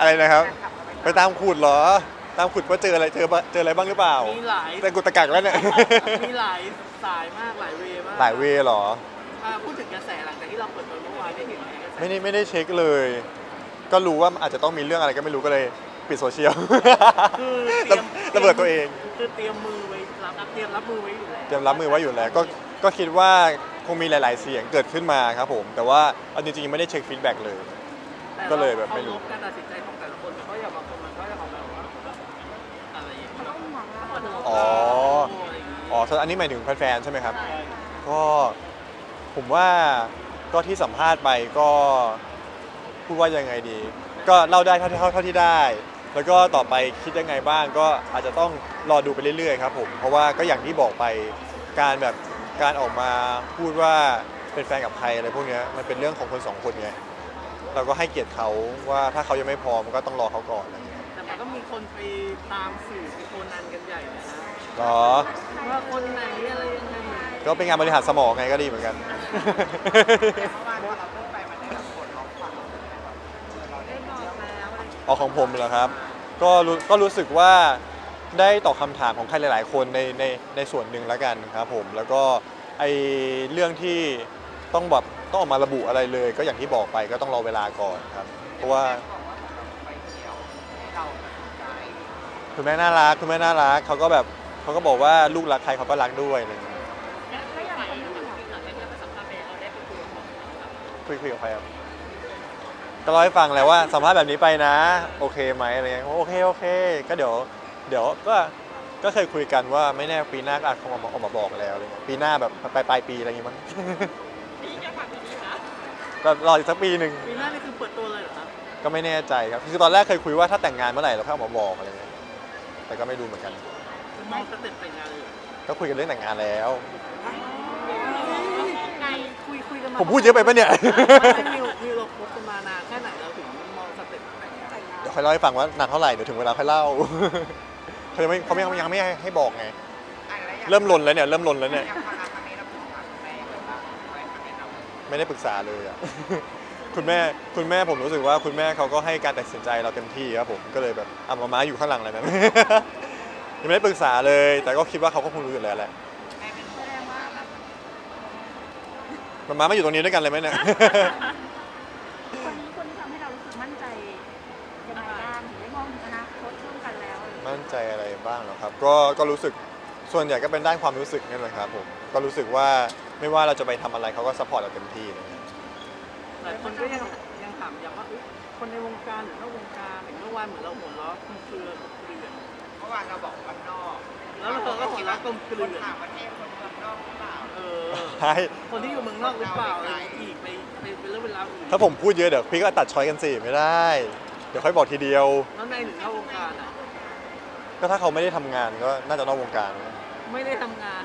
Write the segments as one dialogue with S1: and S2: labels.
S1: อะไรนะครับไปตามขุดเหรอตามขุดว่าเจออะไรเจออะไรบ้างหรือเปล่า
S2: มีหลาย
S1: แต่กุตะกักแล้วเนี่ย
S2: มีหลายสายมากหลายเวย์มาก
S1: หลายเวย์เหรอ
S2: พูดถึงกระแสหลังจากที่เราเปิดตัวเมื่อวานได้เห็นไหมกระแส
S1: ไม่ได้เช็คเลย ก็รู้ว่าอาจจะต้องมีเรื่องอะไรก็ไม่รู้ก็เลยปิดโซเชียล
S2: คือ
S1: ระเบิดตัวเอง
S2: คือเตรียมมือไว้เตรียมรับมือไว้อยู่แล้ว
S1: เตรียมรับมือไว้อยู่แล้วก็คิดว่าคงมีหลายๆเสียงเกิดขึ้นมาครับผมแต่ว่าเอาจริงๆไม่ได้เช็คฟีดแบ็กเลยก็เลยแบบไม่รู้
S2: การตัดสินใจของแต่ละคนมันก็อย่างบางคนมันก็จะออกแบบว่าอะไรอย่างเงี้ย
S1: อ๋ออันนี้หมายถึงแฟนๆใช่ไหมครับก็ผมว่าก็ที่สัมภาษณ์ไปก็พูดว่ายังไงดี ก็เล่าได้เท่าที่ได้ แล้วก็ต่อไปคิดยังไงบ้างก็อาจจะต้องรอดูไปเรื่อยๆครับผมเพราะว่าก็อย่างที่บอกไปการออกมาพูดว่าเป็นแฟนกับใครอะไรพวกนี้มันเป็นเรื่องของคนสองคนไงเราก็ให้เกียรติเขาว่าถ้าเขายังไม่พร้อมก็ต้องรอเขาก่อนอะไรอย่างเงี้ย
S2: แต่มันก็มีคนไปตามสื่อไปโคนันกันใหญ่เลยนะ
S1: หรอ
S2: ว่าคนไหนอะไรยังไง
S1: ก็เป็นงานบริหารสมองไงก็ดีเหมือนกันของผมเหรอครับก็รู้สึกว่าได้ตอบคำถามของใครหลายๆคนในส่วนหนึ่งแล้วกันครับผมแล้วก็ไอเรื่องที่ต้องออกมาระบุอะไรเลยก็อย่างที่บอกไปก็ต้องรอเวลาก่อนครับเพราะว่าคุณแม่น่ารักเขาก็บอกว่าลูกรักใครเขาก็รักด้วยอะไรอย่างเงี้ยคุยกับใครครับก็เล่าให้ฟังแล้วว่าสัมภาษณ์แบบนี้ไปนะโอเคไหมอะไรเงี้ยโอเคก็เดี๋ยวก็เคยคุยกันว่าไม่แน่ปีหน้าก็อาจจะออกมาบอกแล้วอะไรเงี้ยปีหน้าแบบปลายปีอะไรอย่างงี้มั้งก็รออีกสักปีหนึ่ง
S2: ปีหน้านี่คือเปิดตัวเลยเหรอครับ
S1: ก็ไม่แน่ใจครับคือตอนแรกเคยคุยว่าถ้าแต่งงานเมื่อไหร่เราค่อยออกมาบอกอะไรเงี้ยแต่ก็ไม่รู้เหมือนกัน
S2: มองสเต็ปแต่งงานเลย
S1: ก็คุยกันเรื่องแต่งงานแล้ว
S2: คุยกันมา
S1: ผมพูดเยอะไปปะเนี่ย
S2: มีเราคบกันมานานแค่ไหนเราถึงมองสเต็ปแต่งงาน
S1: เดี๋ยวค่อยเล่าให้ฟังว่านานเท่าไหร่เดี๋ยวถึงเวลาค่อยเล่าเขายังไม่ให้บอกไงเริ่มลนแล้วเนี่ยไม่ได้ปรึกษาเลยอ่ะคุณแม่ผมรู้สึกว่าคุณแม่เขาก็ให้การตัดสินใจเราเต็มที่ครับผมก็เลยแบบม้าอยู่ข้างหลังเลยนะยังไม่ได้ปรึกษาเลยแต่ก็คิดว่าเขาก็คงรู้อยู่แล้วแหละม้าไม่อยู่ตรงนี้ด้วยกันเลยไหมเนี่ย
S3: คนที่ทำให้เรารู้สึกมั่นใจยังไงบ้างถึงได้มองถึงอนาคตร่วมกันแล้ว
S1: มั่นใจอะไรบ้างเหรอครับก็รู้สึกส่วนใหญ่ก็เป็นด้านความรู้สึกนั่นแหละครับผมก็รู้สึกว่าไม่ว่าเราจะไปทำอะไรเขาก็ซัพพอร์ตเราเต็มที่เลย
S2: หลายคนก็ยังถามอย่างว่าคนในวงการหรือนอกวงการอย่างเมื่อวานเหมือนเราหัวเราะกลมเกลือ
S4: เมื่อวานเราบอกวันนอก
S2: แล้วเราก็หัวเราะกลมเกลือ
S4: ต่างประเทศคนเมืองนอกหรือเปล่า
S1: ใช่
S2: คนที่อยู่เมืองนอกหรือเปล่าอะไรอีกไปเป็นเรื่องเป็นราวอีก
S1: ถ้าผมพูดเยอะเดี๋ยวพี่ก็ตัดช้อยกันสิไม่ได้เดี๋ยวค่อยบอกทีเดียว
S2: แล้วในหรือนอกวงการอ่ะ
S1: ก็ถ้าเขาไม่ได้ทำงานก็น่าจะนอกวงการ
S2: ไม่ได้ทำงาน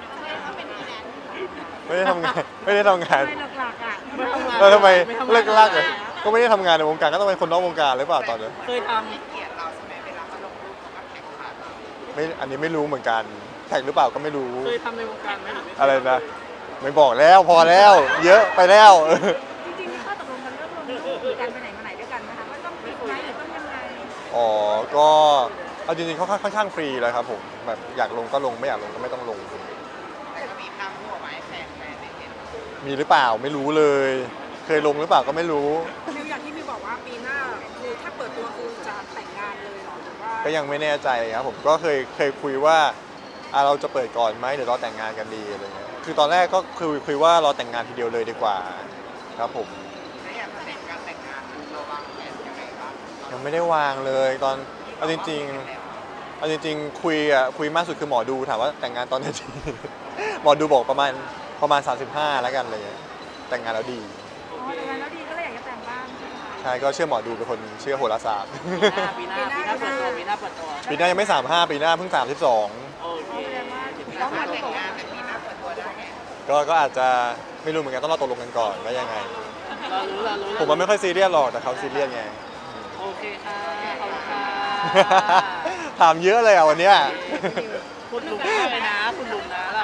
S1: ไม่ได้ทำงานไม่ห
S3: ลักๆอ่ะ
S1: ทำไมเลิกลักเลยก็ไม่ได้ทำงานในวงการก็ต้องเป็นคนนอกวงการหรือเปล่าตอนนี้
S2: เคยท
S4: ำเกียรติเราใช่ไหมเวลาเขาลงรูปเขาก็แท็กขาดเรา
S1: ไม่อันนี้ไม่รู้เหมือนกันแท็กหรือเปล่าก็ไม่รู้
S2: เคยทำในวงการไหม
S1: อะไรนะไม่บอกแล้วพอแล้วเยอะไปแล้ว
S3: จริงๆมีข้อตกลงกันเรื่องลงรูปหรือการไปไหนมาไหนด้วยกันนะคะว่าต้องปิดไหมหรือต้องยังไง
S1: อ๋อก็เอาจริงๆเขาค่อนข้างฟรีเลยครับผมแบบอยากลงก็ลงไม่อยากลงก็ไม่ต้องลง
S4: แต่ก็มีภาพคู่ไว้แฟนได้เห็น
S1: มีหรือเปล่าไม่รู้เลยเคยลงหรือเปล่าก็ไม่รู้
S3: มิวอย่างที่มิวบอกว่าปีหน้าคือถ้าเปิดตัวคือจะแต่งงานเลยหรอหรือว่า
S1: ก็ยังไม่แน่ใจครับผมก็เคยคุยว่าเราจะเปิดก่อนไหมหรือรอแต่งงานกันดีอะไรเงี้ยคือตอนแรกก็คุยว่ารอแต่งงานทีเดียวเลยดีกว่าครับผม
S4: แล้วอย่างประเด็นการแต่งงานเราวางแผนยังไงบ้าง
S1: ยังไม่ได้วางเลยตอนเอาจริงคุยมากสุดคือหมอดูถามว่าแต่งงานตอนไหนดีหมอดูบอกประมาณ35แล้วกันเลยแต่งงานแล้วดี
S3: แต่งงานแล้วดีก็เลยอยากจะแต่งบ้าง
S1: ใช่ก็เชื่อหมอดูเป็นคนเชื่อโหราศาสตร์
S2: ปีหน้าเปิดตัว
S1: ปีหน้ายังไม่35ปีหน้าเพิ่ง32
S2: โอเค
S4: แล้วมาแต่งงานแต่ปีหน้าเปิดตัวได้ไง
S1: ก็อาจจะไม่รู้เหมือนกันต้องรอตกลงกันก่อนว่ายังไง
S2: รู้
S1: ผมมันไม่ค่อยซีเรียสหรอกแต่เขาซีเรียสไง
S2: โอเคค่ะขอบคุณค่ะ
S1: ถามเยอะเลยอ่ะวันนี้
S2: คุณลุงเลยนะคุณลุงนะเรา